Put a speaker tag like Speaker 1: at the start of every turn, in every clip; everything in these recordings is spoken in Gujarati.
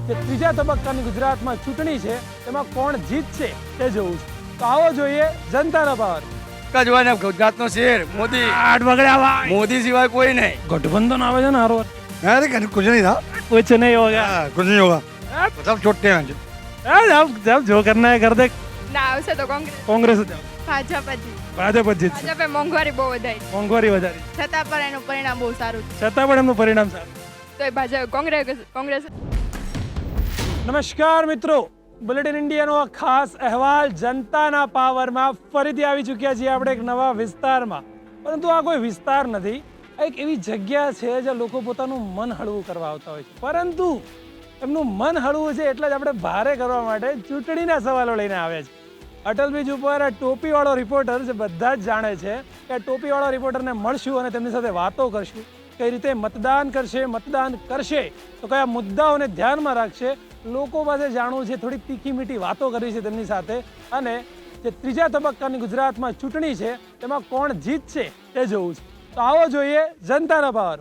Speaker 1: જે ત્રીજા તબક્કાની ગુજરાતમાં ચૂંટણી છે તેમાં કોણ જીતશે તે જોવું છે. તો આવો જોઈએ જનતાના પાવર.
Speaker 2: કજવાને ગુજરાતનો શેર મોદી
Speaker 1: આઠ બગડ્યા
Speaker 2: મોદી સિવાય કોઈ નહીં.
Speaker 1: गठबंधन આવે છે ને હારો
Speaker 2: अरे कुछ नहीं था,
Speaker 1: कुछ नहीं होगा
Speaker 2: कुछ नहीं होगा, सब छोटे हैं.
Speaker 1: जब जो करना है कर दे.
Speaker 3: ના આવશે તો
Speaker 1: કોંગ્રેસ જ આવે.
Speaker 3: ભાજપ જ
Speaker 1: ભાજપ જ જીતશે.
Speaker 3: ભાજપે મોંઘવારી બહુ વધારી
Speaker 1: મોંઘવારી વધારી
Speaker 3: છતાં પણ એનું પરિણામ બહુ સારું છે
Speaker 1: છતાં પણ એમનું પરિણામ સારું.
Speaker 3: તો એ ભાજપ કોંગ્રેસ
Speaker 1: નમસ્કાર મિત્રો, બુલેટિન ઇન્ડિયાનો આ ખાસ અહેવાલ જનતાના પાવરમાં ફરીથી આવી ચૂક્યા છીએ આપણે એક નવા વિસ્તારમાં. પરંતુ આ કોઈ વિસ્તાર નથી, આ એક એવી જગ્યા છે જ્યાં લોકો પોતાનું મન હળવું કરવા આવતા હોય છે. પરંતુ એમનું મન હળવું છે એટલે જ આપણે ભારે કરવા માટે ચૂંટણીના સવાલો લઈને આવ્યા છે. અટલ બ્રિજ ઉપર ટોપીવાળો રિપોર્ટર જે બધા જ જાણે છે કે ટોપીવાળા રિપોર્ટરને મળશું અને તેમની સાથે વાતો કરશું. કઈ રીતે મતદાન કરશે તો કયા મુદ્દાઓને ધ્યાનમાં રાખશે, લોકો પાસે જાણવું છે, થોડી તીખી મીઠી વાતો કરવી છે તેમની સાથે. અને જે ત્રીજા તબક્કાની ગુજરાતમાં ચૂંટણી છે તેમાં કોણ જીતશે તે જોવું છે. તો આવો જોઈએ જનતાના પાવર.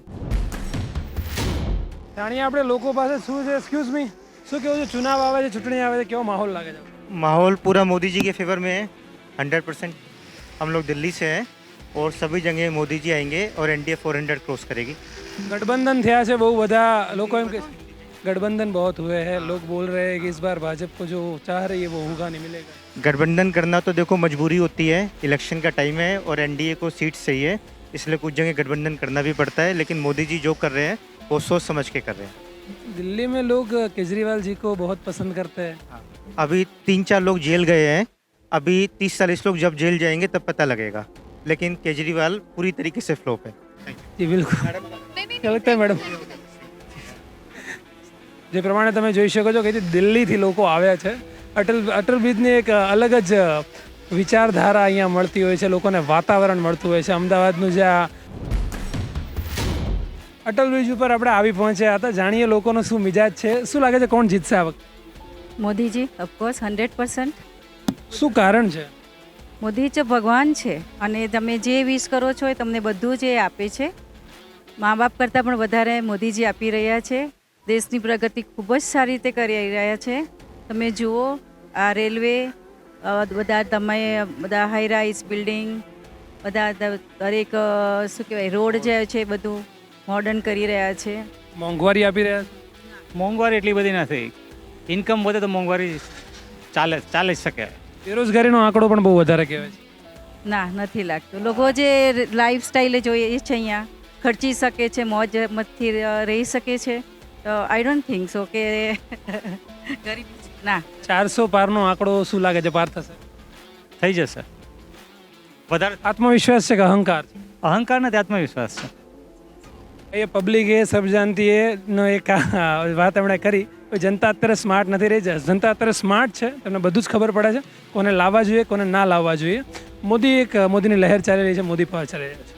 Speaker 1: જાણીએ આપણે લોકો પાસે શું છે. એક્સક્યુઝ મી, શું કેવું છે? ચુનાવ આવે છે, ચૂંટણી આવે છે, કેવો માહોલ લાગે છે?
Speaker 4: माहौल पूरा मोदी जी के फेवर में है 100%. हम लोग दिल्ली से हैं और सभी जगह मोदी जी आएंगे और एनडीए 400 क्रॉस करेगी.
Speaker 1: गठबंधन થયા છે બહુ બધા લોકો, એમ કે गठबंधन बहुत हुए हैं, लोग बोल रहे हैं कि इस बार भाजपा को जो चाह रही है वो होगा नहीं मिलेगा.
Speaker 4: गठबंधन करना तो देखो मजबूरी होती है, इलेक्शन का टाइम है और एनडीए को सीट चाहिए, इसलिए कुछ जगह गठबंधन करना भी पड़ता है. लेकिन मोदी जी जो कर रहे हैं वो सोच समझ के कर रहे हैं.
Speaker 1: दिल्ली में लोग केजरीवाल जी को बहुत पसंद करते हैं.
Speaker 4: अभी 3-4 लोग जेल गए हैं, अभी 30-40 लोग जब जेल जाएंगे तब पता लगेगा. लेकिन केजरीवाल पूरी तरीके से फ्लॉप है.
Speaker 1: जी बिल्कुल. क्या लगता है मैडम? જે પ્રમાણે તમે જોઈ શકો છો કે દિલ્હીથી લોકો આવ્યા છે. અટલ બ્રિજની એક અલગ જ વિચારધારા અહીંયા મળતી હોય છે, લોકોને વાતાવરણ મળતું હોય છે. અમદાવાદનું જે આ અટલ બ્રિજ ઉપર આપણે આવી પહોંચ્યા હતા. જાણીએ લોકોનો શું મિજાજ છે. શું લાગે છે કોણ જીતશે આ વખતે?
Speaker 5: મોદીજી ઓફકોર્સ 100%.
Speaker 1: શું કારણ છે?
Speaker 5: મોદી જ ભગવાન છે અને તમે જે વિશ કરો છો એ તમને બધું જ એ આપે છે. મા બાપ કરતાં પણ વધારે મોદીજી આપી રહ્યા છે. દેશની પ્રગતિ ખૂબ જ સારી રીતે કરી રહ્યા છે. તમે જુઓ આ રેલવે, બધા હાઈ રાઇઝ બિલ્ડિંગ, બધા દરેક શું કહેવાય રોડ જે છે બધું મોડર્ન કરી રહ્યા છે.
Speaker 1: મોંઘવારી આપી રહ્યા છે?
Speaker 6: મોંઘવારી એટલી બધી નથી. ઇન્કમ વધે તો મોંઘવારી ચાલી શકે.
Speaker 1: બેરોજગારીનો આંકડો પણ બહુ વધારે કહેવાય છે.
Speaker 5: ના, નથી લાગતું. લોકો જે લાઈફ સ્ટાઈલ જોઈએ છે અહીંયા ખર્ચી શકે છે, મોજ મતથી રહી શકે છે. તો આઈ ડોન્ટ થિંક સો કે ગરીબ ના.
Speaker 1: 400 પારનો આંકડો શું લાગે છે પાર થશે?
Speaker 6: થઈ જશે. વધારે
Speaker 1: આત્મવિશ્વાસ છે કે અહંકાર છે?
Speaker 6: અહંકાર નથી, આત્મવિશ્વાસ છે.
Speaker 1: એ પબ્લિક એ સબ જાણતી એ નો એક વાત એમણે કરી. જનતા અત્યારે સ્માર્ટ નથી રહી. જનતા અત્યારે સ્માર્ટ છે, તમને બધું જ ખબર પડે છે કોને લાવવા જોઈએ, કોને ના લાવવા જોઈએ. મોદીની લહેર ચાલી રહી છે, મોદી પાવર ચાલી રહ્યો છે.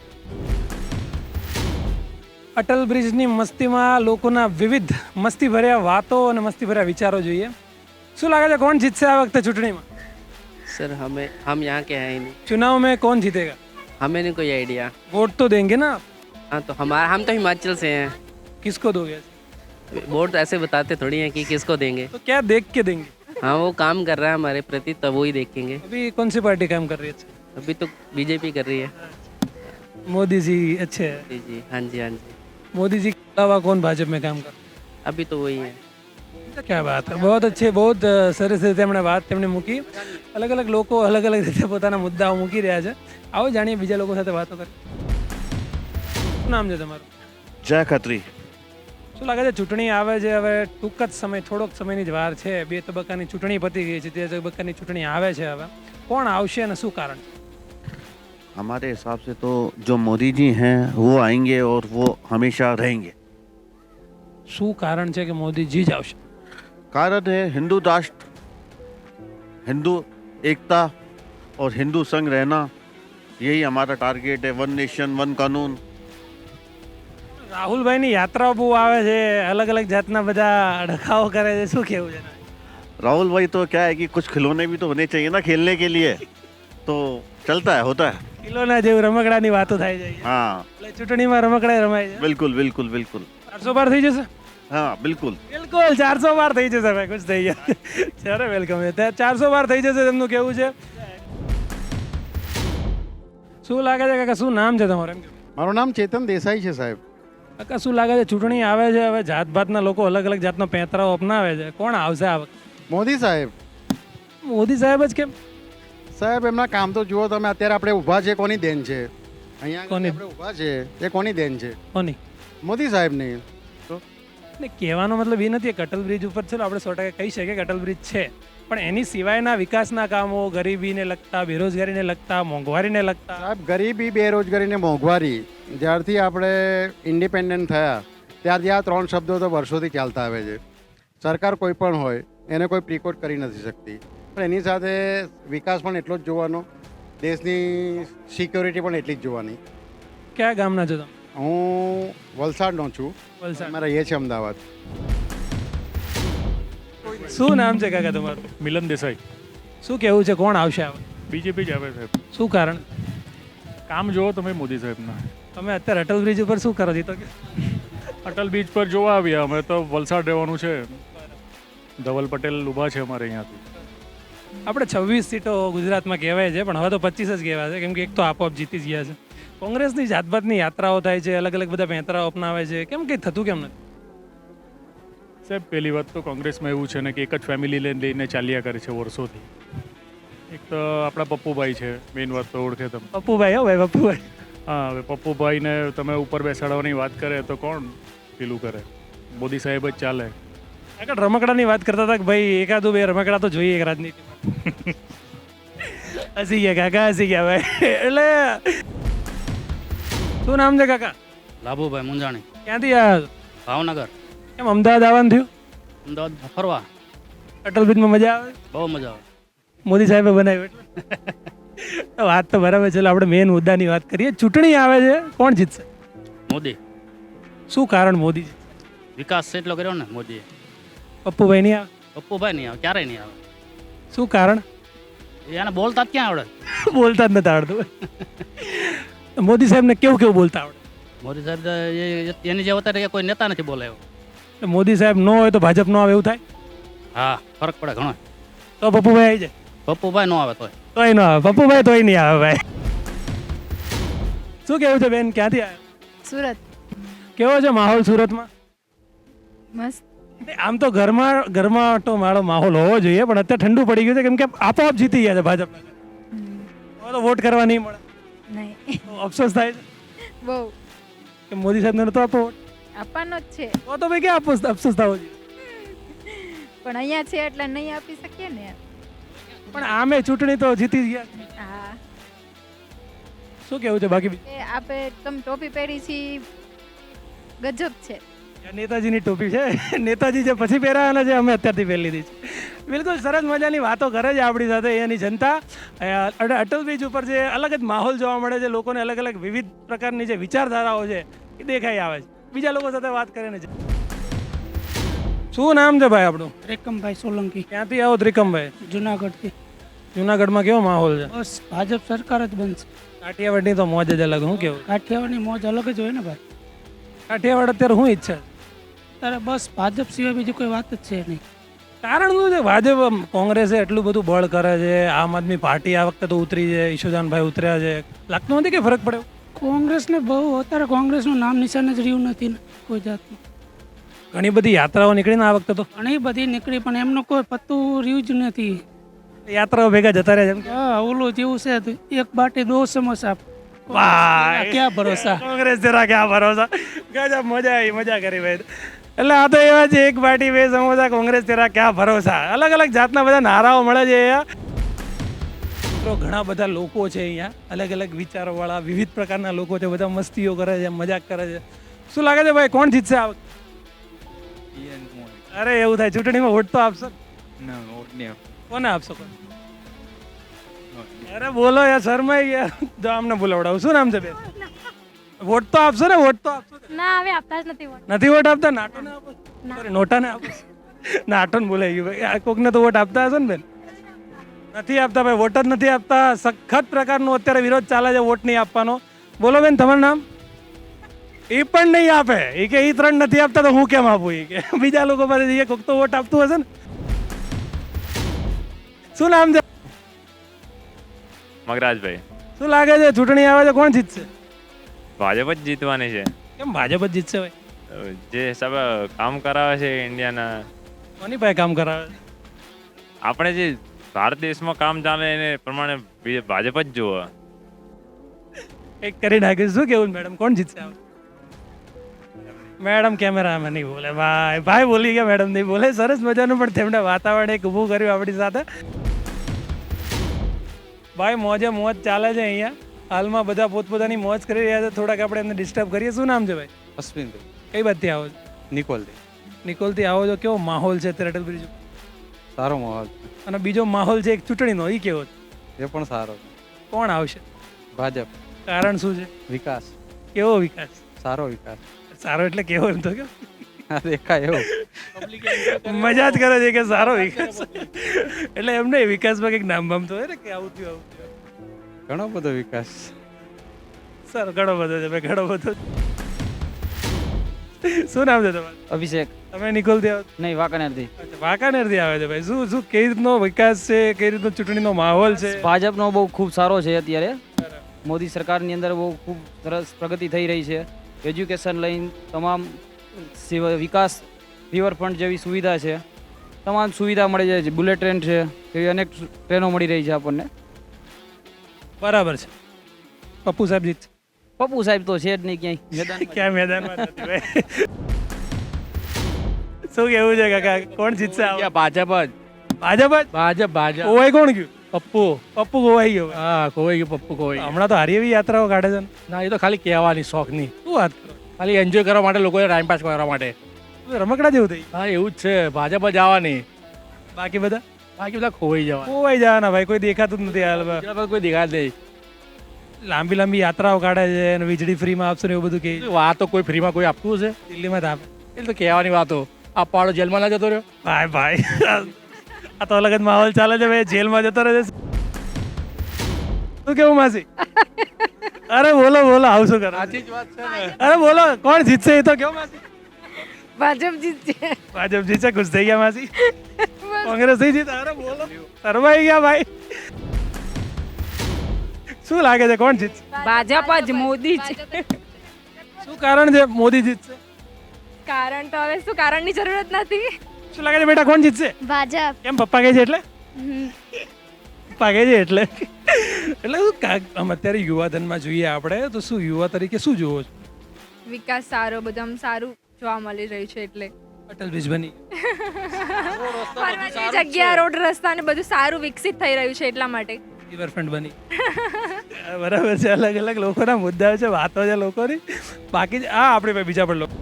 Speaker 1: અટલ બ્રિજની મસ્તીમાં લોકોના વિવિધ મસ્તીભર્યા વાતો અને મસ્તીભર્યા વિચારો જોઈએ. શું લાગે છે કોણ જીતશે આ વખતે ચૂંટણીમાં?
Speaker 7: सर हम यहाँ के हैं ही नहीं,
Speaker 1: चुनाव में कौन जीतेगा?
Speaker 7: हमें नहीं कोई आइडिया.
Speaker 1: वोट तो देंगे ना आप?
Speaker 7: हाँ तो हम तो हिमाचल से हैं.
Speaker 1: किसको दोगे?
Speaker 7: वोट ऐसे बताते थोड़ी हैं कि किसको देंगे.
Speaker 1: तो क्या देख के देंगे?
Speaker 7: हाँ वो काम कर रहा है हमारे प्रति तब वो ही देखेंगे.
Speaker 1: अभी कौन सी पार्टी काम कर रही है?
Speaker 7: अभी तो बीजेपी कर रही है.
Speaker 1: मोदी जी अच्छे हैं.
Speaker 7: जी जी हाँ जी हाँ जी.
Speaker 1: मोदी जी के अलावा कौन भाजपा में काम कर?
Speaker 7: अभी तो वही है.
Speaker 1: क्या बात है, बहुत अच्छे, बहुत સરસ રીતે એમણે વાત તેમણે મૂકી. અલગ અલગ લોકો અલગ અલગ રીતે પોતાના મુદ્દાઓ મૂકી રહ્યા છે. આવો જાણીએ બીજા લોકો સાથે વાતો કરીએ. શું નામ છે તમારું?
Speaker 8: જય ખત્રી.
Speaker 1: શું લાગે છે ચૂંટણી આવે છે હવે ટૂંક જ સમય, થોડોક સમયની જ વાર છે. 2 તબક્કાની ચૂંટણી પતી ગઈ છે, 3 તબક્કાની ચૂંટણી આવે છે. હવે કોણ આવશે અને શું કારણ?
Speaker 8: हमारे हिसाब से तो जो मोदी जी हैं वो आएंगे और वो हमेशा रहेंगे.
Speaker 1: શું કારણ છે કે મોદીજી જ આવશે?
Speaker 8: कारण है हिंदू राष्ट्र, हिंदू एकता और हिंदू संग रहना, यही हमारा टारगेट है. 1 नेशन 1 कानून.
Speaker 1: રાહુલભાઈની યાત્રાઓ બહુ આવે છે, અલગ અલગ જાતના બધા ડખાઓ કરે છે, શું કહેવું છે?
Speaker 8: राहुल भाई तो क्या है कि कुछ खिलौने भी तो होने चाहिए ना खेलने के लिए, तो चलता है, होता है.
Speaker 1: કિલોના જેવું રમકડાની વાતો થાય છે.
Speaker 8: हाँ
Speaker 1: એટલે ચૂંટણીમાં રમકડા રમાય છે.
Speaker 8: बिल्कुल बिल्कुल बिल्कुल.
Speaker 1: 400 પાર થઈ જશે?
Speaker 8: हाँ बिल्कुल
Speaker 1: બિલકુલ 400 વાર થઈ જશે ભાઈ, ખુશ થઈ ગયા. ચાલો વેલકમ. 400 વાર થઈ જશે તેમનું કેવું છે. શું લાગે છે કાકા, શું નામ છે તમારું? એમ કહો.
Speaker 9: મારું નામ ચેતન દેસાઈ છે સાહેબ.
Speaker 1: કાકા શું લાગે છે, ચૂંટણી આવે છે હવે, જાતભાતના લોકો અલગ અલગ જાતનો પેંતરાઓ અપનાવે છે, કોણ આવશે આ વખતે?
Speaker 9: મોદી સાહેબ.
Speaker 1: મોદી સાહેબ જ કેમ?
Speaker 9: સાહેબ એમના કામ તો જુઓ તમે, અત્યારે આપણે ઊભા છે કોની દેન છે? અહીંયા આગળ
Speaker 1: કોની?
Speaker 9: આપણે ઊભા છે એ કોની દેન છે?
Speaker 1: કોની?
Speaker 9: મોદી સાહેબની.
Speaker 1: ને કહેવાનો મતલબ એ નથી કે અટલ બ્રિજ ઉપર ચલો આપણે 100% કહી શકીએ કે અટલ બ્રિજ છે, પણ એની સિવાયના વિકાસના કામો, ગરીબીને લગતા, બેરોજગારીને લગતા, મોંઘવારીને લગતા.
Speaker 9: સાહેબ ગરીબી, બેરોજગારી ને મોંઘવારી, જ્યારથી આપણે ઇન્ડિપેન્ડન્ટ થયા ત્યારથી આ 3 શબ્દો તો વર્ષોથી ચાલતા આવે છે. સરકાર કોઈ પણ હોય એને કોઈ પ્રિકોટ કરી નથી શકતી, પણ એની સાથે વિકાસ પણ એટલો જ જોવાનો, દેશની સિક્યોરિટી પણ એટલી જ જોવાની.
Speaker 1: કયા ગામના છો તમે?
Speaker 9: હું વલસાડનો છું,
Speaker 1: વલસાડ.
Speaker 9: અમે રહીએ છીએ અમદાવાદ.
Speaker 1: શું નામ છે કાકા તમારું?
Speaker 6: મિલન દેસાઈ.
Speaker 1: શું કેવું છે, કોણ આવશે આ વખતે?
Speaker 6: બીજેપી જ આવે સાહેબ.
Speaker 1: શું કારણ?
Speaker 6: કામ જોવો તમે મોદી સાહેબના.
Speaker 1: તમે અત્યારે અટલ બ્રિજ ઉપર શું કરો છો? તો કે
Speaker 6: અટલ બીચ પર જોવા આવ્યા અમે તો. વલસાડ રહેવાનું છે. ધવલ પટેલ ઊભા છે અમારે અહીંયાથી.
Speaker 1: આપણે 26 સીટો ગુજરાતમાં કહેવાય છે, પણ હવે તો 25 જ કહેવાય છે, કેમ કે એક તો આપોઆપ જીતી જ ગયા છે. કોંગ્રેસની જાતભાતની યાત્રાઓ થાય છે, અલગ અલગ બધા પેંતરાઓ અપનાવે છે, કેમ કંઈ થતું કેમ નથી?
Speaker 6: સાહેબ પહેલી વાત તો કોંગ્રેસમાં એવું છે ને કે એક જ ફેમિલી લઈને ચાલ્યા કરે છે વર્ષોથી. એક તો આપણા પપ્પુભાઈ છે, મેઇન વાત તો ઓળખે તમે.
Speaker 1: પપ્પુભાઈ, હો ભાઈ પપ્પુભાઈ.
Speaker 6: હા, હવે પપ્પુભાઈને તમે ઉપર બેસાડવાની વાત કરે તો કોણ પેલું કરે? મોદી સાહેબ જ ચાલે.
Speaker 1: આગળ રમકડાની વાત કરતા હતા કે ભાઈ એકાદું 2 રમકડા તો જોઈએ એક રાજનીતિમાં. હસી ગયા કાકા, હસી ગયા ભાઈ. એટલે શું નામ છે કાકા?
Speaker 7: લાભુભાઈ મુંજાણી,
Speaker 1: ક્યાંથી આવ્યા છો?
Speaker 7: ભાવનગર.
Speaker 1: કેમ અમદાવાદ આવવાનું થયું?
Speaker 7: અમદાવાદ ફરવા
Speaker 1: અટલ બ્રિજમાં મજા આવે?
Speaker 7: બહુ મજા આવે.
Speaker 1: મોદી સાહેબે બનાવ્યું એટલે વાત તો બરાબર છે. આપણે મેઇન મુદ્દાની વાત કરીએ. ચૂંટણી આવે છે, કોણ જીતશે?
Speaker 7: મોદી.
Speaker 1: શું કારણ મોદી જીતશે?
Speaker 7: વિકાસ એટલો કર્યો ને મોદીએ.
Speaker 1: પપ્પુભાઈ નહીં આવે?
Speaker 7: પપ્પુભાઈ નહીં આવે, ક્યારેય નહીં આવે.
Speaker 1: શું કારણ?
Speaker 7: એને બોલતા જ ક્યાં આવડે?
Speaker 1: બોલતા જ નથી આવડતું. મોદી સાહેબને કેવું કેવું બોલતા આવડે?
Speaker 7: મોદી સાહેબ તો એની જે અત્યારે કોઈ નેતા નથી બોલાયો.
Speaker 1: મોદી સાહેબ ન હોય તો ભાજપ ન આવે એવું થાય?
Speaker 7: હા, ફરક પડે ઘણો.
Speaker 1: તો પપ્પુભાઈ આવી જાય?
Speaker 7: પપ્પુભાઈ ન આવે તોય.
Speaker 1: તોય ન આવે. પપ્પુભાઈ તોય નહીં આવે ભાઈ. શું કેવું છે બેન, ક્યાંથી આવ્યા?
Speaker 3: સુરત.
Speaker 1: કેવો છે માહોલ સુરતમાં?
Speaker 3: મસ્ત.
Speaker 1: આમ તો ઘરમાં તો મારો માહોલ હોવો જોઈએ, પણ અત્યારે ઠંડુ પડી ગયું છે, કેમ કે આપોઆપ જીતી ગયા છે ભાજપ. હવે તો વોટ કરવા નહીં મળે.
Speaker 3: નહીં.
Speaker 1: તો અફસોસ થાય છે
Speaker 3: બહુ
Speaker 1: કે મોદી સાહેબને નતો આપવો વોટ.
Speaker 3: આપવાનો જ છે,
Speaker 1: તો ભાઈ ક્યાં અફસોસ થવો જોઈએ?
Speaker 3: પણ અહીંયા છે એટલે નહીં આપી શકીએ ને.
Speaker 1: પણ આમે ચૂંટણી તો જીતી જ ગયા.
Speaker 3: હા,
Speaker 1: શું કેવું છે બાકી?
Speaker 3: એ આપે તમે ટોપી પહેરી છી, ગજબ છે.
Speaker 1: નેતાજીની ટોપી છે. નેતાજી જે પછી પહેરાવાના છે, અમે અત્યારથી પહેરી લીધી છે. બિલકુલ સરસ મજાની વાતો કરે છે આપણી સાથે અહીંયાની જનતા. અટલ બ્રિજ ઉપર જે અલગ જ માહોલ જોવા મળે છે, લોકોને અલગ અલગ વિવિધ પ્રકારની જે વિચારધારાઓ છે એ દેખાઈ આવે છે. બીજા લોકો સાથે વાત કરીને છે. શું નામ છે ભાઈ આપણું?
Speaker 10: ત્રિકમભાઈ સોલંકી,
Speaker 1: ક્યાંથી આવો ત્રિકમભાઈ?
Speaker 10: જુનાગઢથી.
Speaker 1: જુનાગઢમાં કેવો માહોલ છે?
Speaker 10: બસ ભાજપ સરકાર જ બનશે.
Speaker 1: કાઠિયાવાડની તો મોજ જ અલગ. શું કેવું?
Speaker 10: કાઠિયાવાડની મોજ અલગ જ હોય ને ભાઈ.
Speaker 1: કાઠિયાવાડ અત્યારે શું ઈચ્છા છે?
Speaker 10: ત્યારે બસ ભાજપ સિવાય બીજી કોઈ વાત જ છે નહીં.
Speaker 1: કારણ શું છે? ભાજપ કોંગ્રેસે એટલું બધું બળ કરે છે, આમ આદમી પાર્ટી આ વખતે તો ઉતરી છે, ઈશુદાનભાઈ ઉતર્યા છે, લાગતું નથી કે ફરક પડ્યો?
Speaker 10: કોંગ્રેસને બહુ અત્યારે કોંગ્રેસનું નામ નિશાન જ રહ્યું નથી ને કોઈ જાતનું.
Speaker 1: ઘણી બધી યાત્રાઓ નીકળીને આ વખતે તો.
Speaker 10: ઘણી બધી નીકળી પણ એમનું કોઈ પત્તું રહ્યું જ નથી.
Speaker 1: યાત્રાઓ ભેગા જતા રહ્યા છે.
Speaker 10: હા, ઓલું જેવું છે તો એક બાટી 2 સમોસા.
Speaker 1: વાહ,
Speaker 10: ક્યાં ભરોસા.
Speaker 1: કોંગ્રેસ જરા ક્યાં ભરોસા. ગજબ, મજા આવી, મજા કરી ભાઈ. એટલે આ તો એવા છે, એક બાટી 2 સમોસા, કોંગ્રેસ તેરા ક્યાં ભરોસા. અલગ અલગ જાતના બધા નારાઓ મળે છે અહીંયા. તો ઘણા બધા લોકો છે અહીંયા, અલગ અલગ વિચારોવાળા, વિવિધ પ્રકારના લોકો છે, બધા મસ્તીઓ કરે છે, મજાક કરે છે. શું લાગે છે ભાઈ, કોણ જીતશે આ વખતે? અરે એવું થાય, ચૂંટણીમાં વોટ તો આપશો? કોને આપશો? અરે બોલો યાર, શરમાઈ ગયા. જો આમને બોલાવડાવું. શું નામ છે બેન? વોટ તો આપશો ને? વોટ તો આપશો?
Speaker 3: ના, હવે આપતા જ નથી.
Speaker 1: નથી વોટ આપતા? નાટોને આપો? સોરી, નોટાને આપો? નાટોને બોલાઈ ગયું ભાઈ. આ કોકને તો વોટ આપતા હશો ને બેન? નથી આપતા ભાઈ, વોટ જ નથી આપતા. સખત પ્રકારનો અત્યારે વિરોધ ચાલે છે વોટ નહીં આપવાનો. બોલો બેન, તમારું નામ? એ પણ નહીં આપે. એ કે એ 3 નથી આપતા તો હું કેમ આપું? એ કે બીજા લોકો પાસે જઈએ, કોક તો વોટ આપતું હશે ને. શું નામ છે?
Speaker 11: મગરાજભાઈ.
Speaker 1: શું લાગે છે ચૂંટણી આવે છે, કોણ જીતશે?
Speaker 11: ભાજપ જ જીતવાની છે.
Speaker 1: કેમ ભાજપ જ જીતશે ભાઈ?
Speaker 11: જે હિસાબે કામ કરાવે છે ઇન્ડિયાના,
Speaker 1: કોની પાસે કામ કરાવે છે?
Speaker 11: આપણે જે ભારત દેશમાં કામ ચાલે એને પ્રમાણે ભાજપ જ જુઓ.
Speaker 1: એક કરી નાખ્યું. શું કેવું મેડમ, કોણ જીતશે? મેડમ કેમેરામાં નહીં બોલે ભાઈ. ભાઈ બોલી ગયા, મેડમ નહીં બોલે. સરસ મજાનું પણ તેમણે વાતાવરણ એક ઊભું કર્યું આપણી સાથે. ભાઈ મોજે મોજ ચાલે છે અહીંયા. હાલમાં બધા પોતપોતાની મોજ કરી રહ્યા છે. થોડાક આપણે એમને ડિસ્ટર્બ કરીએ. શું નામ છે ભાઈ?
Speaker 2: અશ્વિનભાઈ.
Speaker 1: કઈ બાજુથી આવો છો?
Speaker 2: નિકોલથી.
Speaker 1: નિકોલથી આવો છો. કેવો માહોલ છે અત્યારે અટલ બ્રિજ?
Speaker 2: સારો માહોલ.
Speaker 1: અને બીજો માહોલ છે એક ચૂંટણીનો, એ કેવો છે?
Speaker 2: એ પણ સારો.
Speaker 1: કોણ આવશે?
Speaker 2: ભાજપ.
Speaker 1: કારણ શું છે?
Speaker 2: વિકાસ.
Speaker 1: કેવો વિકાસ?
Speaker 2: સારો વિકાસ.
Speaker 1: સારો એટલે કેવો? એમ તો કેવો
Speaker 2: દેખાય એવું.
Speaker 1: મજા જ કરે છે કે સારો વિકાસ. એટલે એમને વિકાસમાં કંઈક નામ બામ તો હોય ને કે આવું થયું આવું થયું.
Speaker 2: ઘણો બધો વિકાસ.
Speaker 1: સર ઘણો બધો છે ભાઈ, ઘણો બધો. શું નામ છે તમારું?
Speaker 7: અભિષેક.
Speaker 1: તમે નિકોલથી આવો?
Speaker 7: નહીં, વાંકાનેરથી.
Speaker 1: વાંકાનેરથી આવે છે ભાઈ. શું શું કઈ રીતનો વિકાસ છે, કઈ રીતનો ચૂંટણીનો માહોલ છે?
Speaker 7: ભાજપનો બહુ ખૂબ સારો છે અત્યારે. મોદી સરકારની અંદર બહુ ખૂબ સરસ પ્રગતિ થઈ રહી છે. એજ્યુકેશન લઈને તમામ વિકાસ, રિવરફ્રન્ટ જેવી સુવિધા છે, તમામ સુવિધા મળી જાય છે. બુલેટ ટ્રેન છે, એવી અનેક ટ્રેનો મળી રહી છે આપણને.
Speaker 1: બરાબર છે. પપ્પુ સાહેબ જીત?
Speaker 7: પપ્પુ સાહેબ તો છે જ નહીં ક્યાંય.
Speaker 1: ક્યાં મેદાનમાં નથી ભાઈ. શું કેવું છે કાકા, કોણ જીતશે?
Speaker 6: ભાજપ જ.
Speaker 1: ભાજપ જ?
Speaker 6: ભાજપ ભાજપ.
Speaker 1: કોવાઈ કોણ ગયું?
Speaker 6: પપ્પુ.
Speaker 1: પપ્પુ કોવાઈ ગયો.
Speaker 6: હા, ખોવાઈ ગયું પપ્પુ, ખોવાઈ ગયું.
Speaker 1: હમણાં તો હારી એવી યાત્રાઓ કાઢે છે ને.
Speaker 6: ના, એ તો ખાલી કહેવાની, શોખની.
Speaker 1: શું વાત કરો?
Speaker 6: ખાલી એન્જોય કરવા માટે, લોકોએ ટાઈમ પાસ કરવા માટે.
Speaker 1: રમકડા જેવું થઈ.
Speaker 6: હા, એવું જ છે. ભાજપ જ આવવાની.
Speaker 1: બાકી બધા
Speaker 6: બધા ખોવાઈ જવા.
Speaker 1: ખોવાઈ જવાના ભાઈ. કોઈ દેખાતું જ નથી હાલમાં.
Speaker 6: કોઈ દેખાય નહીં.
Speaker 1: લાંબી લાંબી યાત્રાઓ કાઢે છે અને વીજળી ફ્રીમાં આપશે ને એવું બધું કહે.
Speaker 6: વાતો કોઈ ફ્રીમાં કોઈ આપતું છે?
Speaker 1: દિલ્હીમાં તો આપે.
Speaker 6: એ તો કહેવાની વાતો. આપવાળો જેલમાં ના જતો રહ્યો.
Speaker 1: ભાઈ ભાઈ આ તો અલગ જ માહોલ ચાલે છે ભાઈ. જેલમાં જતો રહે છે. શું કેવું માસી? અરે બોલો બોલો, આવું શું કરો?
Speaker 6: સાચી જ વાત છે ને.
Speaker 1: અરે બોલો, કોણ જીતશે એ તો કેવું માસી?
Speaker 3: ભાજપ જીતશે.
Speaker 1: ભાજપ જીતશે. ખુશ થઈ ગયા માસી? કોંગ્રેસ નહીં જીતે? અરે બોલો, શરમાઈ ગયા ભાઈ. શું લાગે છે કોણ જીતશે?
Speaker 5: ભાજપ જ, મોદી જ.
Speaker 1: શું કારણ છે મોદી જીતશે?
Speaker 3: કારણ તો હવે શું, કારણની જરૂરત નથી.
Speaker 1: શું લાગે છે બેટા, કોણ જીતશે?
Speaker 3: ભાજપ.
Speaker 1: કેમ પપ્પા કહે છે એટલે? પપ્પા કહે છે એટલે શું આમ અત્યારે યુવાધનમાં જોઈએ આપણે તો શું યુવા તરીકે શું જોવો છો?
Speaker 3: વિકાસ સારો, બધું સારું જોવા મળી રહ્યું છે એટલે.
Speaker 1: અટલ બ્રિજ બની,
Speaker 3: ફરવાની જગ્યા, રોડ રસ્તા ને બધું સારું વિકસિત થઈ રહ્યું છે એટલા માટે.
Speaker 1: રિવરફ્રન્ટ બની. બરાબર છે. અલગ અલગ લોકોના મુદ્દાઓ છે, વાતો છે લોકોની. બાકી આ આપણે ભાઈ બીજા પણ લોકો.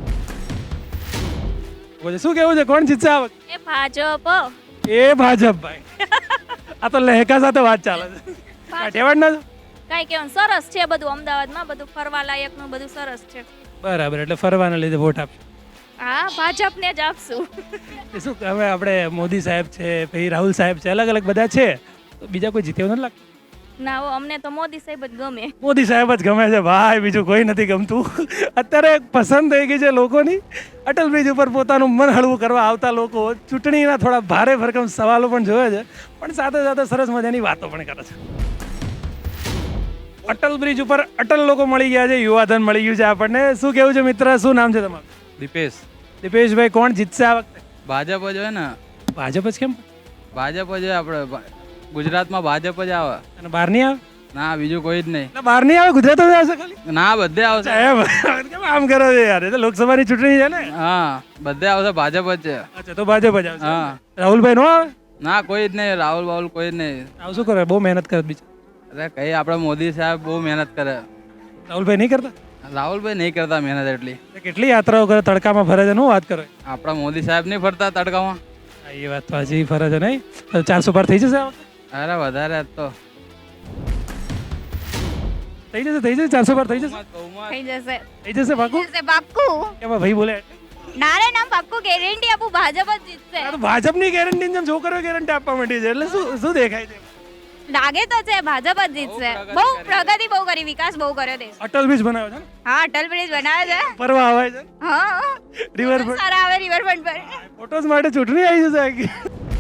Speaker 1: શું કેવું છે, કોણ જીતશે આ વખતે?
Speaker 3: એ ભાજપ.
Speaker 1: એ ભાજપ ભાઈ. આ તો લહેકા સાથે વાત ચાલે છે. કાઠિયાવાડ ના
Speaker 3: કઈ કેવું સરસ છે બધું, અમદાવાદમાં બધું ફરવા લાયકનું બધું સરસ છે.
Speaker 1: બરાબર. એટલે ફરવાના લીધે વોટ આપશે.
Speaker 3: હા, ભાજપને જ આપશું.
Speaker 1: શું હવે આપણે મોદી સાહેબ છે, પછી રાહુલ સાહેબ છે, અલગ અલગ બધા છે, તો બીજા કોઈ જીતે એવું નથી લાગતું?
Speaker 3: ના, અમને તો મોદી સાહેબ જ ગમે.
Speaker 1: મોદી સાહેબ જ ગમે છે ભાઈ, બીજું કોઈ નથી ગમતું. અત્યારે પસંદ થઈ ગઈ છે લોકોની. અટલ બ્રિજ ઉપર પોતાનું મન હળવું કરવા આવતા લોકો ચૂંટણીના થોડા ભારે ભરકમ સવાલો પણ જોવે છે, પણ સાથે સાથે સરસ મજાની વાતો પણ કરે છે. અટલ બ્રિજ ઉપર અટલ લોકો મળી ગયા છે, યુવાધન મળી ગયું છે આપણને. શું કેવું છે મિત્ર, શું નામ છે તમારું?
Speaker 11: દીપેશ.
Speaker 1: દીપેશભાઈ, કોણ જીતશે આ વખતે?
Speaker 11: ભાજપ જ હોય ને.
Speaker 1: ભાજપ જ કેમ?
Speaker 11: ભાજપ જ આપણે ગુજરાતમાં ભાજપ જ આવે.
Speaker 1: અને બહાર નહીં આવે?
Speaker 11: ના, બીજું કોઈ જ નહીં.
Speaker 1: એટલે બહાર નહીં આવે, ગુજરાતમાં જ આવશે ખાલી?
Speaker 11: ના, બધે આવશે.
Speaker 1: કેમ આમ કરો છો યાર? એ તો લોકસભાની ચૂંટણી છે ને.
Speaker 11: હા, બધે આવશે. ભાજપ જ છે.
Speaker 1: અચ્છા, તો ભાજપ જ આવશે.
Speaker 11: હા.
Speaker 1: રાહુલભાઈ નો આવે?
Speaker 11: ના, કોઈ જ નહીં. રાહુલ બાહુલ કોઈ જ નહીં.
Speaker 1: આવું શું કરે? બહુ મહેનત કરે બીજા.
Speaker 11: અરે કઈ આપણે મોદી સાહેબ બહુ મહેનત કરે.
Speaker 1: રાહુલભાઈ નહીં કરતા?
Speaker 11: રાહુલભાઈ નહીં કરતા મહેનત એટલી.
Speaker 1: કેટલી યાત્રાઓ કરે, તડકામાં ફરે છે, શું વાત કરો?
Speaker 11: આપણા મોદી સાહેબ નહીં ફરતા તડકામાં.
Speaker 1: એ વાત તો હજી ફરે છે નહીં. 400 પાર થઈ જશે આ વખતે?
Speaker 11: અરે વધારે તો
Speaker 1: થઈ જશે, થઈ જશે. 400 પાર થઈ જશે,
Speaker 3: થઈ જશે.
Speaker 1: થઈ જશે પાકું.
Speaker 3: પાક્કું.
Speaker 1: કેમ ભાઈ બોલે?
Speaker 3: નારે નામ પાક્કું ગેરંટી આપું, ભાજપ જ જીતશે.
Speaker 1: આ તો ભાજપની ગેરંટી જેમ છોકરીઓ ગેરંટી આપવા માંડી છે, એટલે શું શું દેખાય છે?
Speaker 3: લાગે તો છે ભાજપ જ જીતશે. બહુ પ્રગતિ બહુ કરી, વિકાસ બહુ કર્યો દેશ.
Speaker 1: અટલ બ્રિજ બનાવ્યો છે ને,
Speaker 3: હા, અટલ બ્રિજ બનાવે છે.
Speaker 1: ફરવા આવે છે,
Speaker 3: હા,
Speaker 1: રિવરફ્રન્ટ
Speaker 3: સારા આવે રિવરફ્રન્ટ પર.
Speaker 1: ફોટોઝ માટે ચૂંટણી આવી જશે આખી.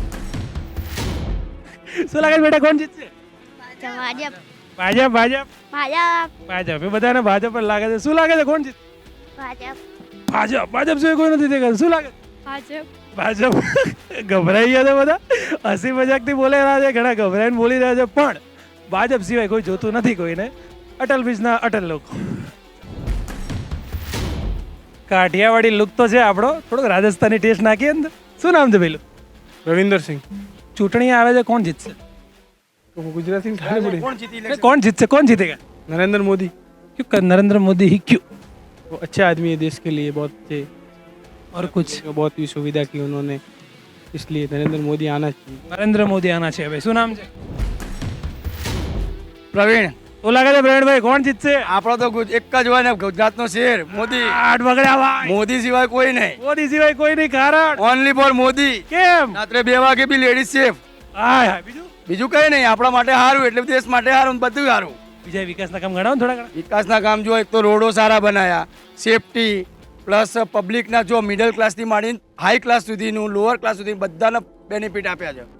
Speaker 1: શું લાગે છે બેટા, કોણ જીતશે?
Speaker 3: ભાજપ
Speaker 1: ભાજપ ભાજપ
Speaker 3: ભાજપ
Speaker 1: ભાજપ. એ બધાને ભાજપ પર લાગે છે. શું લાગે છે, કોણ જીતશે?
Speaker 3: ભાજપ
Speaker 1: ભાજપ. ભાજપ સિવાય કોઈ નથી દેખાતું. શું લાગે?
Speaker 3: ભાજપ.
Speaker 1: ભાજપ. ગભરાઈ ગયા છે બધા, હસી મજાકથી બોલી રહ્યા છે, ઘણા ગભરાઈને બોલી રહ્યા છે, પણ ભાજપ સિવાય કોઈ જોતું નથી કોઈને. અટલ બ્રિજના અટલ લોકો. કાઠિયાવાડી લુક તો છે આપણો, થોડોક રાજસ્થાની ટેસ્ટ નાખીએ અંદર. શું નામ છે પેલું?
Speaker 6: રવિન્દર સિંહ
Speaker 1: ચૂંટણી આવે છે, કોણ જીતશે?
Speaker 6: ગુજરાતી
Speaker 1: કોણ જીતશે? કોણ જીતેगा?
Speaker 6: नरेंद्र मोदी
Speaker 1: क्यों नरेंद्र मोदी ही क्यों?
Speaker 6: वो अच्छे आदमी है देश के लिए, बहुत अच्छे,
Speaker 1: और कुछ?
Speaker 6: बहुत ही सुविधा की उन्होंने, इसलिए नरेंद्र मोदी आना चाहिए.
Speaker 1: નરેન્દ્ર મોદી આના છે. ભાઈ શું નામ છે?
Speaker 7: પ્રવીણ,
Speaker 1: શું લાગે છે પ્રવીણભાઈ, કોણ જીતશે?
Speaker 7: આપણો તો એક જ હોય ને, ગુજરાતનો શેર મોદી.
Speaker 1: આઠ બગડ્યા ભાઈ.
Speaker 7: મોદી સિવાય કોઈ નહીં,
Speaker 1: મોદી સિવાય કોઈ નહીં. કારણ
Speaker 7: ઓનલી ફોર મોદી.
Speaker 1: કેમ?
Speaker 7: રાત્રે 2 વાગે બી લેડીઝ સેફ.
Speaker 1: હાય હાય. બીજું
Speaker 7: બીજું કઈ નહીં, આપણા માટે સારું, એટલે દેશ માટે સારું, બધું સારું.
Speaker 1: બીજા વિકાસના કામ ગણાવો ને થોડા ઘણા.
Speaker 7: વિકાસના કામ જો, એક તો રોડો સારા બનાયા, સેફટી પ્લસ પબ્લિકના જો મિડલ ક્લાસથી માંડીને હાઈ ક્લાસ સુધીનું, લોઅર ક્લાસ સુધી બધાને બેનિફિટ આપ્યા છે.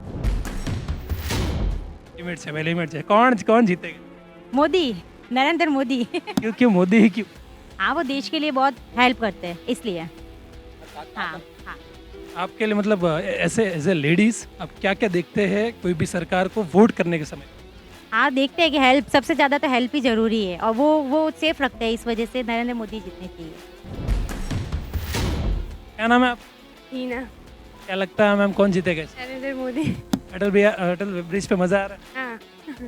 Speaker 1: લિમિટ છે ભાઈ, લિમિટ છે. કોણ જીતેगा?
Speaker 5: मोदी, नरेंद्र मोदी.
Speaker 1: क्यों मोदी ही क्यों?
Speaker 5: हाँ, वो देश के लिए बहुत हेल्प करते हैं, इसलिए. हाँ हाँ.
Speaker 1: आपके लिए मतलब ऐसे एज ए लेडीज आप क्या क्या देखते हैं कोई भी सरकार को वोट करने के समय?
Speaker 5: हाँ, देखते हैं कि हेल्प, सबसे ज़्यादा तो हेल्प ही ज़रूरी है, और वो सेफ रखते हैं, इस वजह से नरेंद्र मोदी जीतने चाहिए.
Speaker 1: क्या नाम है आप?
Speaker 3: हीना.
Speaker 1: क्या लगता है मैम, कौन जीतेगा?
Speaker 3: नरेंद्र मोदी.
Speaker 1: अटल ब्रिज पे मजा आ रहा
Speaker 3: હા.
Speaker 1: है?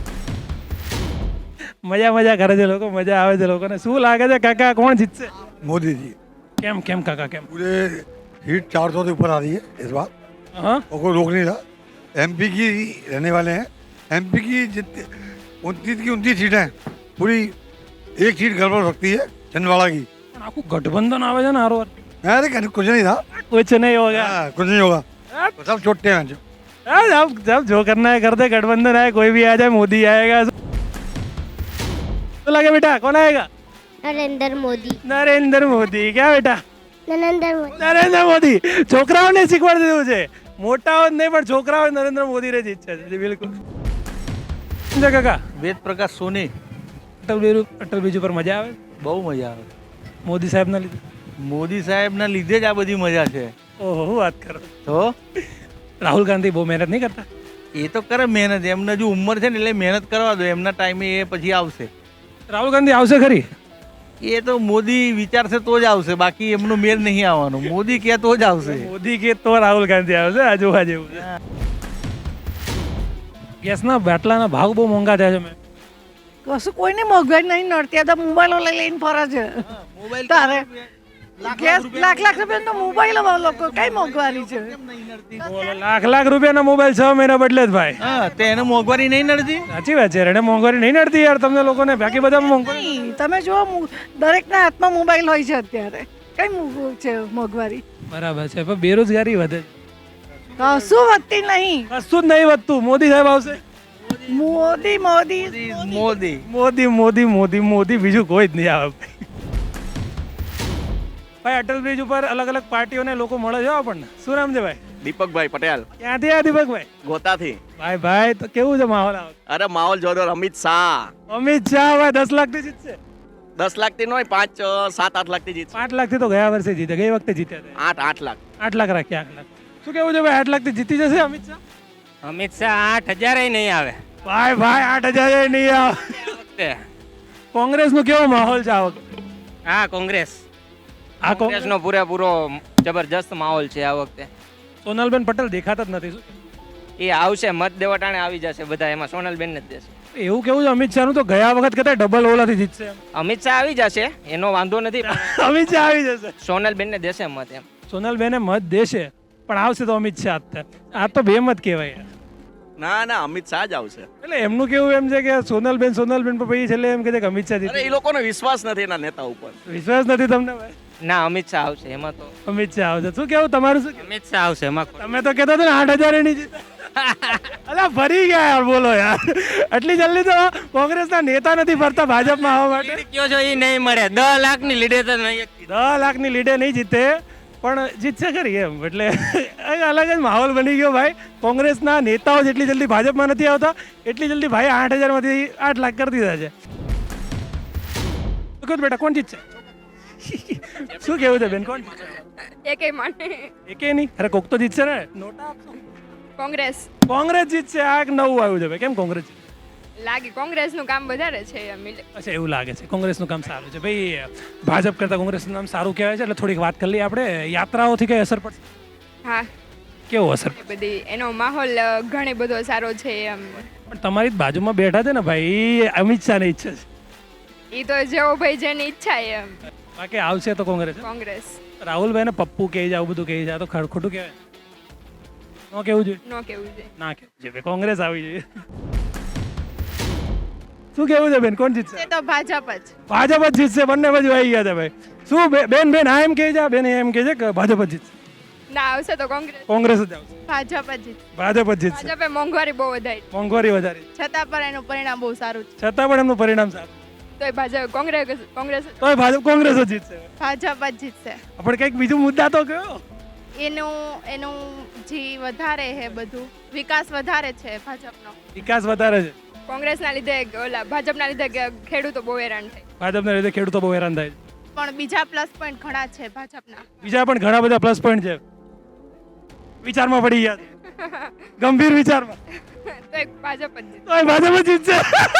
Speaker 1: મજા કરે છે લોકો, મજા આવે છે લોકોને. શું લાગે છે કાકા, કોણ જીતશે?
Speaker 12: मोदी जी
Speaker 1: કેમ કેમ કાકા કેમ?
Speaker 12: पूरे हीट 400 से ऊपर आ रही है इस बार,
Speaker 1: हाँ
Speaker 12: और कोई रोक नहीं रहा. एमपी की रहने वाले हैं. एमपी की 29 की 29 सीटें हैं. पूरी एक सीट गड़बड़ हो सकती है, छिंदवाड़ा की.
Speaker 1: પણ આખું ગઠબંધન આવે છે ને હારો.
Speaker 12: अरे कुछ नहीं था,
Speaker 1: कुछ नहीं होगा.
Speaker 12: कुछ नहीं होगा, तो सब छोटे हैं जो.
Speaker 1: जब जो करना है कर दे. गठबंधन आए, कोई भी आ जाए, मोदी आएगा. तो लगे बेटा, कौन आएगा?
Speaker 3: નરેન્દ્ર મોદી.
Speaker 1: નરેન્દ્ર મોદી. क्या बेटा?
Speaker 3: નરેન્દ્ર મોદી.
Speaker 1: નરેન્દ્ર મોદી. છોકરાઓને શીખવાડી દીધું છે, મોટાઓ જ નહીં પણ છોકરાઓ નરેન્દ્ર મોદી રે જ ઈચ્છા છે. બિલકુલ. સમજ્યા કાકા?
Speaker 2: વેદ પ્રકાશ સોની.
Speaker 1: અટલ બ્રિજ ઉપર મજા આવે?
Speaker 2: બહુ મજા આવે.
Speaker 1: મોદી સાહેબ ના લીધે?
Speaker 2: મોદી સાહેબના લીધે જ આ બધી મજા છે.
Speaker 1: ઓહો, શું વાત કરો.
Speaker 2: તો
Speaker 1: રાહુલ ગાંધી બહુ મહેનત નહીં કરતા?
Speaker 2: એ તો કરે મહેનત, એમને જો ઉંમર છે ને એટલે મહેનત કરવા દો, એમના ટાઈમે એ પછી આવશે.
Speaker 1: રાહુલ ગાંધી આવશે ખરી?
Speaker 2: એ તો મોદી વિચારશે તો જ આવશે, બાકી એમનો મેળ નહીં આવવાનો. મોદી કહે તો જ આવશે.
Speaker 1: મોદી કે તો રાહુલ ગાંધી આવશે. આ જોવા જેવું છે. ગેસના બાટલાના ભાવ બહુ મોંઘા થયા છે. મેં
Speaker 10: કશું કોઈને મોંઘવારી નહીં નડતી, આ તો મોબાઈલો લઈને ફરે છે. તારે ગેસ લાખ રૂપિયાનો મોબાઈલ લોકો કઈ મોંઘવારી છે?
Speaker 1: લાખ રૂપિયાના મોબાઈલ 6 મહિના બદલે જ ભાઈ.
Speaker 2: હા, તો એને મોંઘવારી નહીં નડતી.
Speaker 1: સાચી વાત છે, એને મોંઘવારી નહીં નડતી યાર તમને લોકોને. બાકી બધા મોંઘવારી.
Speaker 10: નહીં, તમે જુઓ દરેકના હાથમાં મોબાઈલ હોય છે અત્યારે, કઈ છે મોંઘવારી?
Speaker 1: બરાબર છે, પણ બેરોજગારી વધે છે.
Speaker 10: કશું વધતી નહીં,
Speaker 1: કશું જ નહીં વધતું. મોદી સાહેબ આવશે.
Speaker 10: મોદી મોદી
Speaker 2: મોદી
Speaker 1: મોદી મોદી મોદી મોદી, બીજું કોઈ જ નહીં આવે. ભાઈ અટલ બ્રિજ ઉપર અલગ અલગ પાર્ટીઓને લોકો મળે છે આપણને. શું નામ છે ભાઈ?
Speaker 13: દીપકભાઈ પટેલ.
Speaker 1: ક્યાંથી આ દીપકભાઈ?
Speaker 13: ગોતાથી.
Speaker 1: ભાઈ તો કેવું છે માહોલ?
Speaker 13: અરે માહોલ જોરદાર. અમિત શાહ
Speaker 1: ભાઈ 10 લાખ થી જીતશે.
Speaker 13: 10 લાખ થી નહીં, 5, 7, 8 લાખ થી જીતશે.
Speaker 1: 8 લાખ થી તો ગયા વર્ષે જીતે, ગઈ વખતે જીત્યા હતા.
Speaker 13: 8 લાખ.
Speaker 1: 8 લાખ રાખ્યા. 8 લાખ. શું કેવું છે ભાઈ, 8 લાખ થી જીતી જશે અમિત શાહ?
Speaker 7: અમિત શાહ 8,000 નહીં આવે.
Speaker 1: ભાઈ 8,000 નહીં આવે. કોંગ્રેસ નો કેવો માહોલ છે આ વખતે?
Speaker 7: હા, કોંગ્રેસ.
Speaker 1: આ
Speaker 7: કોંગ્રેસનો પૂરેપૂરો જબરજસ્ત માહોલ છે આ વખતે.
Speaker 1: સોનલબેન પટેલ દેખાતા જ નથી. શું
Speaker 7: એ આવશે, મત દેવા ટાણે આવી જશે બધા, એમાં સોનલબેન ને જ દેશે.
Speaker 1: એવું કેવું છે અમિત શાહ નું? તો ગયા વખત કદાચ ડબલ ઓલાથી જીતશે.
Speaker 7: અમિત શાહ આવી જશે, એનો વાંધો નથી.
Speaker 1: અમિત શાહ આવી જશે.
Speaker 7: સોનલબેન ને દેશે મત એમ.
Speaker 1: સોનલબેન મત દેશે, પણ આવશે તો અમિત શાહ જ થાય. આ તો બે મત કહેવાય.
Speaker 13: ના અમિત શાહ જ આવશે.
Speaker 1: એટલે એમનું કેવું એમ છે કે સોનલબેન પર પછી છેલ્લે એમ કે અમિત શાહ જીતે.
Speaker 13: અરે એ લોકોનો વિશ્વાસ નથી એના નેતા ઉપર.
Speaker 1: વિશ્વાસ નથી તમને ભાઈ?
Speaker 7: ના, અમિત શાહ આવશે એમાં તો.
Speaker 1: અમિત શાહ આવશે. શું કેવું તમારું? શું
Speaker 7: અમિત શાહ આવશે એમાં.
Speaker 1: તમે તો કહેતા હતા ને 8,000 નહીં જીતે. અલા ફરી ગયા યાર, બોલો યાર. આટલી જલ્દી તો કોંગ્રેસના નેતા નથી ફરતા ભાજપમાં આવવા માટે.
Speaker 14: કયો છો એ નહીં મળે, 10 લાખની લીડે તો નહીં.
Speaker 1: 10 લાખની લીડે નહીં જીતે પણ જીતશે ખરી એમ. એટલે અલગ જ માહોલ બની ગયો ભાઈ. કોંગ્રેસના નેતાઓ જેટલી જલ્દી ભાજપમાં નથી આવતા એટલી જલ્દી ભાઈ 8,000માંથી 8 લાખ કરી દીધા છે. કહો બેટા કોણ જીતશે? શું કેવું છે બેન, કોણ જીતશે?
Speaker 3: એકે માને
Speaker 1: એકે નહીં, અરે કોક તો જીતશે ને. નોટા આપશો.
Speaker 3: કોંગ્રેસ
Speaker 1: કોંગ્રેસ જીતશે. આ એક નવું આવ્યું છે ભાઈ. કેમ કોંગ્રેસ જીતશે?
Speaker 3: લાગે કોંગ્રેસનું કામ વધારે છે એમ.
Speaker 1: અચ્છા એવું લાગે છે. કોંગ્રેસનું કામ સારું છે ભાઈ. ભાજપ કરતાં કોંગ્રેસનું નામ સારું કહેવાય છે એટલે થોડીક વાત કરી લઈએ આપણે. યાત્રાઓથી કઈ અસર પડશે?
Speaker 3: હા,
Speaker 1: કેવો અસર?
Speaker 3: બધી એનો માહોલ ઘણો બધો સારો છે એમ.
Speaker 1: પણ તમારી જ બાજુમાં બેઠા છે ને ભાઈ, અમિત શાહની ઈચ્છા છે.
Speaker 3: એ તો જેવો ભાઈ જેની ઈચ્છા એમ.
Speaker 1: બાકી આવશે તો કોંગ્રેસ.
Speaker 3: કોંગ્રેસ.
Speaker 1: રાહુલભાઈ ને પપ્પુ કહે છે, આવું બધું કહે છે, આ તો ખોટું કહેવાય. ન કેવું જોઈએ?
Speaker 3: નો કેવું છે.
Speaker 1: ના કેવું જોઈએ. કોંગ્રેસ આવી જોઈએ. શું કેવું છે બેન, કોણ જીતશે?
Speaker 3: તો ભાજપ જ.
Speaker 1: ભાજપ જ જીતશે. બંને બાજુ આવી ગયા છે ભાઈ. શું બેન બેન આ એમ કહે છે, બેન એમ કહે છે કે ભાજપ જ જીતશે?
Speaker 3: ના, આવશે તો કોંગ્રેસ.
Speaker 1: કોંગ્રેસ જ આવશે.
Speaker 3: ભાજપ જ જીત.
Speaker 1: ભાજપ જ જીતશે.
Speaker 3: ભાજપે મોંઘવારી બહુ વધારી.
Speaker 1: મોંઘવારી વધારી
Speaker 3: છતાં પણ એનું પરિણામ બહુ સારું છે.
Speaker 1: છતાં પણ એમનું પરિણામ સારું.
Speaker 3: તોય ભાજપ કોંગ્રેસ
Speaker 1: તોય ભાજપ કોંગ્રેસ જ જીતશે.
Speaker 3: ભાજપ જ જીતશે.
Speaker 1: પણ કંઈક બીજું મુદ્દા તો કયો.
Speaker 3: એનું જે વધારે છે બધું વિકાસ વધારે છે ભાજપનો.
Speaker 1: વિકાસ વધારે છે.
Speaker 3: કોંગ્રેસના લીધે ઓલા ભાજપના લીધે ખેડૂતો બહુ હેરાન થાય.
Speaker 1: ભાજપના લીધે ખેડૂતો બહુ હેરાન થાય છે.
Speaker 3: પણ બીજા પ્લસ પોઈન્ટ ઘણા છે ભાજપના.
Speaker 1: બીજા પણ ઘણા બધા પ્લસ પોઈન્ટ છે. વિચારમાં પડી ગયા છે. ગંભીર વિચારમાં.
Speaker 3: તોય ભાજપ જ જીતશે.
Speaker 1: તોય ભાજપ જ જીતશે.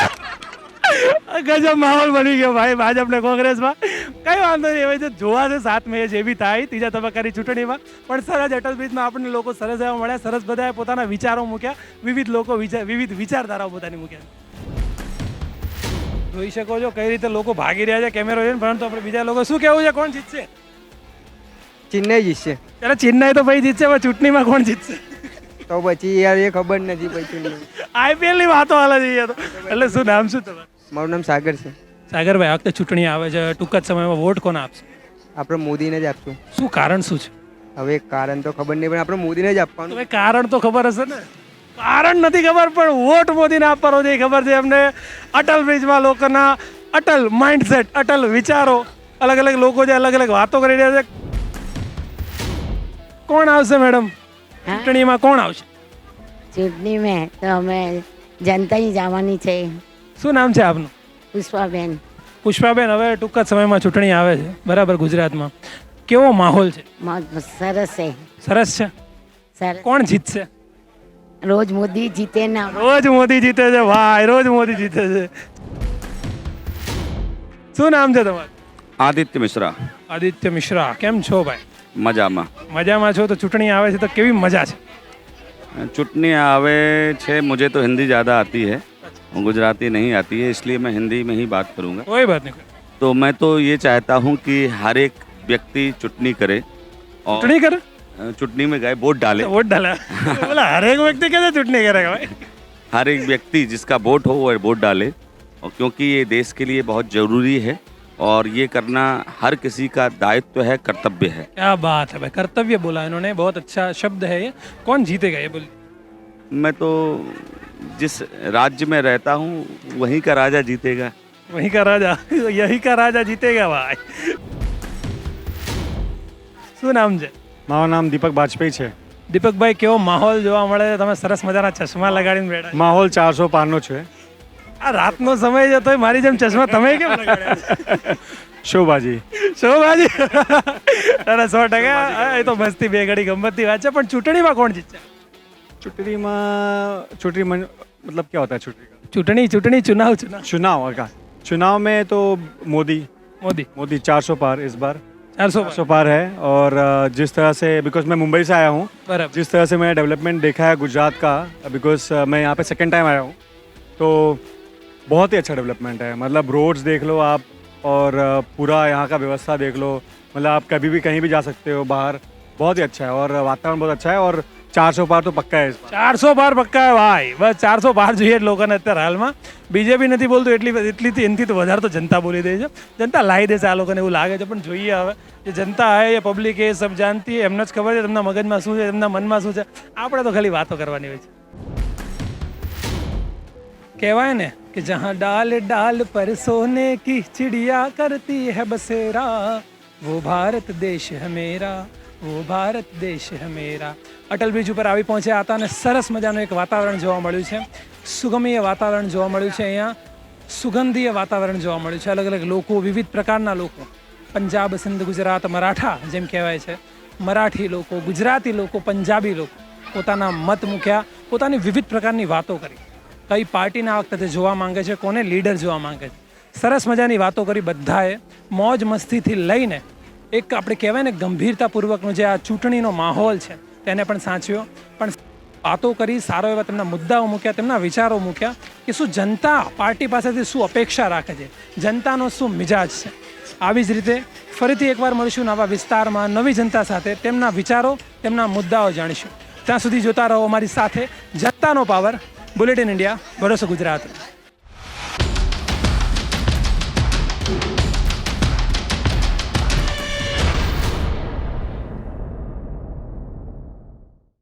Speaker 1: ગજબ માહોલ બની ગયો ભાઈ ભાજપ ને કોંગ્રેસમાં. કઈ વાંધો નહીં, હવે જો જોવા છે 7 મે જે બી થાય ત્રીજા તબક્કાની ચૂંટણીમાં. પણ સરસ અટલ બ્રિજમાં આપણને લોકો સરસ એવા મળ્યા, સરસ બધાએ પોતાના વિચારો મૂક્યા, વિવિધ લોકો વિવિધ વિચારધારાઓ પોતાની મૂક્યા. જોઈ શકો છો કઈ રીતે લોકો ભાગી રહ્યા છે કેમેરો જોઈને. પરંતુ આપણે બીજા લોકો શું કેવું છે, કોણ જીતશે?
Speaker 14: ચેન્નઈ જીતશે.
Speaker 1: ત્યારે ચેન્નઈ તો ભાઈ જીતશે, પણ ચૂંટણીમાં કોણ જીતશે?
Speaker 14: તો પછી યાર એ ખબર નથી પછી.
Speaker 1: IPL ની વાતો હાલે છે તો. એટલે શું નામ શું તમારું?
Speaker 14: મારું નામ સાગર છે.
Speaker 1: સાગરભાઈ, આ વખતે ચૂંટણી આવે છે, ટૂંક જ સમયમાં વોટ કોને આપશે?
Speaker 14: આપણે મોદીને જ આપશું.
Speaker 1: શું કારણ શું છે?
Speaker 14: હવે કારણ તો ખબર નહીં, પણ આપણે મોદીને જ આપવાનું.
Speaker 1: હવે કારણ તો ખબર હશે ને. કારણ નથી ખબર પણ વોટ મોદીને આપવાનો છે ખબર છે એમને. અટલ બ્રિજમાં લોકોના અટલ માઇન્ડસેટ, અટલ વિચારો, અલગ અલગ લોકો જે અલગ અલગ વાતો કરી રહ્યા છે. કોણ આવશે મેડમ ચૂંટણીમાં? કોણ આવશે
Speaker 15: ચૂંટણીમાં? તો અમે જનતા જવાની છે.
Speaker 1: શું નામ છે આપનું?
Speaker 15: પુષ્પાબેન.
Speaker 1: પુષ્પાબેન, હવે ટૂંક જ સમયમાં ચૂંટણી આવે છે બરાબર ગુજરાતમાં. કેવો માહોલ છે?
Speaker 15: સરસ છે.
Speaker 1: સરસ છે.
Speaker 15: સરસ.
Speaker 1: કોણ જીતશે?
Speaker 15: રોજ મોદી જીતે ના.
Speaker 1: રોજ મોદી જીતે છે ભાઈ, રોજ મોદી જીતે છે. શું નામ છે તમારું?
Speaker 16: આદિત્ય મિશ્રા.
Speaker 1: આદિત્ય મિશ્રા, કેમ છો ભાઈ?
Speaker 16: મજામાં.
Speaker 1: મજામાં છો તો ચૂંટણી આવે છે તો કેવી મજા છે?
Speaker 16: चुटनी आवे छे, मुझे तो हिंदी ज़्यादा आती है, गुजराती नहीं आती है, इसलिए मैं हिंदी में ही बात करूँगा.
Speaker 1: कोई बात नहीं.
Speaker 16: तो मैं तो ये चाहता हूँ कि हर एक व्यक्ति चुटनी करे और
Speaker 1: चुटनी करे,
Speaker 16: चुटनी में गए वोट डाले.
Speaker 1: वोट डाला बोला हर एक व्यक्ति कैसे चुटनी करेगा भाई?
Speaker 16: हर एक व्यक्ति जिसका वोट हो वो वोट डाले, और क्योंकि ये देश के लिए बहुत ज़रूरी है और ये करना हर किसी का दायित्व है, कर्तव्य है.
Speaker 1: क्या बात है भाई, कर्तव्य बोला इन्होंने, बहुत अच्छा शब्द है ये. कौन जीतेगा ये बोलिए?
Speaker 16: मैं तो जिस राज्य में रहता हूँ वहीं का राजा जीतेगा.
Speaker 1: वहीं का राजा, यही का राजा जीतेगा भाई. શું નામ છે?
Speaker 17: મારું નામ દીપક બાજપેયી છે.
Speaker 1: દીપકભાઈ, કેવો માહોલ જોવા મળે છે? તમે સરસ મજાના ચશ્મા લગાડીને બેઠા.
Speaker 17: માહોલ 400 પારનો છે.
Speaker 1: આ રાતનો સમય છે તોય મારી જેમ ચશ્મા તમે કેમ લગાડ્યા?
Speaker 17: શોભાજી.
Speaker 1: શોભાજી. અરે 100%. એ તો મસ્તી બે ઘડી ગમતની વાત છે. પણ ચૂંટણીમાં કોણ જીતશે?
Speaker 17: चुटनी मतलब क्या होता है चुटनी का?
Speaker 1: चुटनी चुनाव
Speaker 17: का चुनाव में तो मोदी 400 पार इस बार 400 पार है. और जिस तरह से, बिकॉज मैं मुंबई से आया हूँ, जिस तरह से मैंने डेवलपमेंट देखा है गुजरात का, बिकॉज मैं यहाँ पे सेकंड टाइम आया हूँ, तो बहुत ही अच्छा डेवलपमेंट है. मतलब रोड्स देख लो आप, और पूरा यहाँ का व्यवस्था देख लो. मतलब आप कभी भी कहीं भी जा सकते हो बाहर. बहुत ही अच्छा है और वातावरण बहुत अच्छा है. और 400 પાર તો પક્કા है.
Speaker 1: 400 પાર પક્કા है ભાઈ. બસ 400 પાર જોઈએ લોકોને અત્યારે હાલમાં. બીજેપી નથી બોલતું એટલી એનથી તો વધારે તો જનતા બોલી દે છે. જનતા લાવી દેશે આ લોકોને એવું લાગે છે. પણ જોઈએ હવે જે જનતા है, ये पब्लिक है, सब जानती है. એમને જ ખબર છે તેમના મગજમાં શું છે, તેમના મનમાં શું છે. આપણે તો ખાલી વાતો કરવાની હોય છે. કહેવાય ને કે જહાં ડાલ ડાલ પર સોને કી ચિડિયા કરતી હૈ બસેરા, वो भारत देश है मेरा, वो भारत देश है मेरा. અટલ બ્રિજ ઉપર આવી પહોંચ્યા હતા અને સરસ મજાનું એક વાતાવરણ જોવા મળ્યું છે. સુગમીય વાતાવરણ જોવા મળ્યું છે. અહીંયા સુગંધીય વાતાવરણ જોવા મળ્યું છે. અલગ અલગ લોકો, વિવિધ પ્રકારના લોકો, પંજાબ, સિંધ, ગુજરાત, મરાઠા જેમ કહેવાય છે, મરાઠી લોકો, ગુજરાતી લોકો, પંજાબી લોકો પોતાના મત મૂક્યા, પોતાની વિવિધ પ્રકારની વાતો કરી. કઈ પાર્ટીને આ વખતે જોવા માંગે છે, કોને લીડર જોવા માંગે છે, સરસ મજાની વાતો કરી. બધાએ મોજ મસ્તીથી લઈને એક આપણે કહેવાય ને ગંભીરતાપૂર્વકનો જે આ ચૂંટણીનો માહોલ છે તેને પણ સાચવ્યો. પણ વાતો કરી, સારો એવા તેમના મુદ્દાઓ મૂક્યા, તેમના વિચારો મૂક્યા કે શું જનતા પાર્ટી પાસેથી શું અપેક્ષા રાખે છે, જનતાનો શું મિજાજ છે. આવી જ રીતે ફરીથી એકવાર મળીશું નવા વિસ્તારમાં નવી જનતા સાથે, તેમના વિચારો, તેમના મુદ્દાઓ જાણીશું. ત્યાં સુધી જોતા રહો અમારી સાથે જનતાનો પાવર, બુલેટિન ઇન્ડિયા, ભરોસો ગુજરાત.